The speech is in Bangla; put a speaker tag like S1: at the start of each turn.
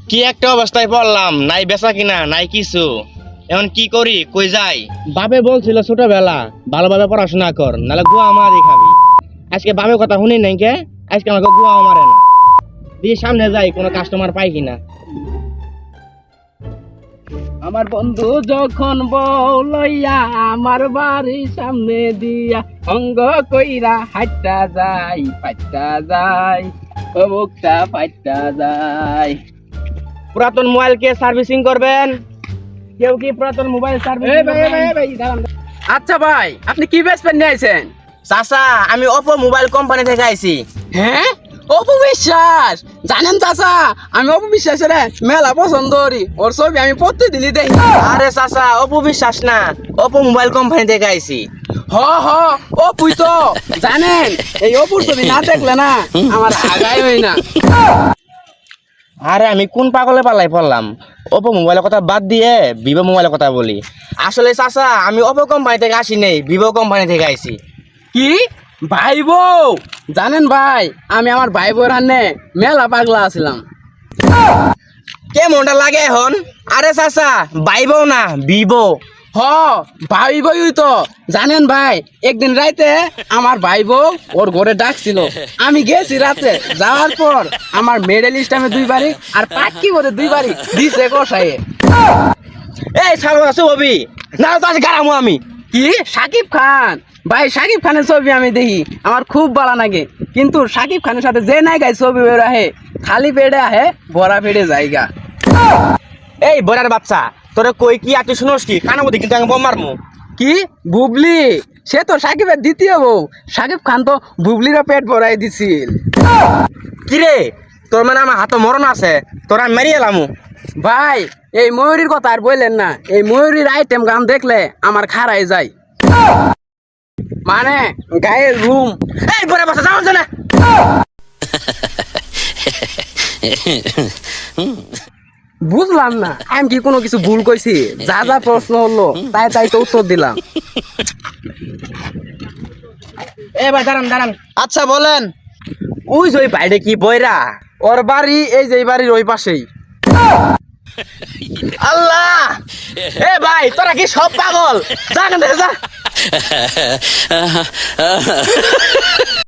S1: কি একটা অবস্থায় পড়লাম, নাই বেচা কিনা নাই কিছু। এখন কি করি, কই যাই? বাপে বলছিল ছোটবেলা ভালোভাবে পড়াশোনা কর, নাহলে গুয়া মারি খাবি। আজকে বাপের কথা শুনি নাই কে, আজকে আমাকে গুয়া মারে না। দিয়ে সামনে যাই, কোনো কাস্টমার পাই কিনা।
S2: আমার বন্ধু যখন বউ লইয়া আমার বাড়ির সামনে দিয়া অঙ্গ কইরা হাইটা যায় পাইটা যায় ও মুখটা পাইটা যায়।
S1: পুরাতন মোবাইল কে সার্ভিসিং করবেন? কেউ কি পুরাতন মোবাইল সার্ভিসিং করবেন?
S2: আচ্ছা ভাই, আপনি কি বেচবেন নিয়ে আইছেন?
S1: চাচা, আমি ওপো মোবাইল কোম্পানি থেকে আইছি।
S2: হ্যাঁ, অপু বিশ্বাস। জানেন চাচা, আমি অপু বিশ্বাসের মেলা পছন্দ করি, ওর ছবি আমি প্রতিদিনই দেখি।
S1: আরে চাচা, ওপো বিশ্বাস না, ওপো মোবাইল কোম্পানি থেকে আইছি।
S2: হ হ, অপুই তো। জানেন, এই অপুর ছবি না দেখলে না আমার আগাই হয় না।
S1: আরে আমি কোন পাগলে পাল্লাই পড়লাম, ওপো মোবাইলের কথা বাদ দিয়ে ভিভো মোবাইলের কথা বলি। আসলে চাচা, আমি ওপো কোম্পানি থেকে আসি নেই, ভিভো কোম্পানি থেকে আইছি।
S2: কি ভাই বউ? জানেন ভাই, আমি আমার ভাই বউর হান্নে মেলা পাগলা আছিলাম।
S1: কে মনটা লাগে এখন? আরে চাচা, বাইবো না ভিভো।
S2: হ, ভাই বই তো। জানেন ভাই, একদিন রাইতে আমার ভাই বউ ওর ঘরে ডাকছিল, আমি গেছি রাতে। যাওয়ার পর আমার মেডেল স্টামে 2 বাড়ি আর পাটকি করে 2 বাড়ি দিছে কষাইয়ে।
S1: এই ছাগল আছো হবি না, তো আজ গারামো আমি।
S2: কি সাকিব খান? ভাই সাকিব খানের ছবি আমি দেখি, আমার খুব ভালো লাগে। কিন্তু সাকিব খানের সাথে যে নায়িকায় ছবি বের আহে, খালি পেটে আহে, ভরা পেটে জায়গা।
S1: এই বড়ার বাচ্চা, তোরে কই কি আর তুই শুনোস কি? কানা মধ্যে কিন্তু আমি বোম মারমু।
S2: কি বুবলি? সে তো সাকিবের দ্বিতীয় বউ। সাকিব খান তো বুবলিরও পেট ভরাই দিছিল।
S1: কিরে, তোর মানে আমার হাতে মরণ আছে, তোরা মেরি এলামু।
S2: ভাই, এই ময়ূরীর কথা আর বললেন না। এই ময়ূরীর আইটেম গান দেখলে আমার খারাই যায়, মানে গায়ের রুম।
S1: এই বড়া বাচ্চা, যাও না।
S2: বুঝলাম না, আমি কি কোনো কিছু ভুল কইছি? যা যা প্রশ্ন হলো তাই তাই তো উত্তর দিলাম।
S1: এ ভাই দাঁড়ান দাঁড়ান।
S2: আচ্ছা বলেন।
S1: ওই যে ওই বাইরে কি বইরা,
S2: ওর বাড়ি এই যে এই বাড়ির ওই পাশেই।
S1: আল্লাহ! এ ভাই, তোরা কি সব পাগল? যা এখান থেকে যা।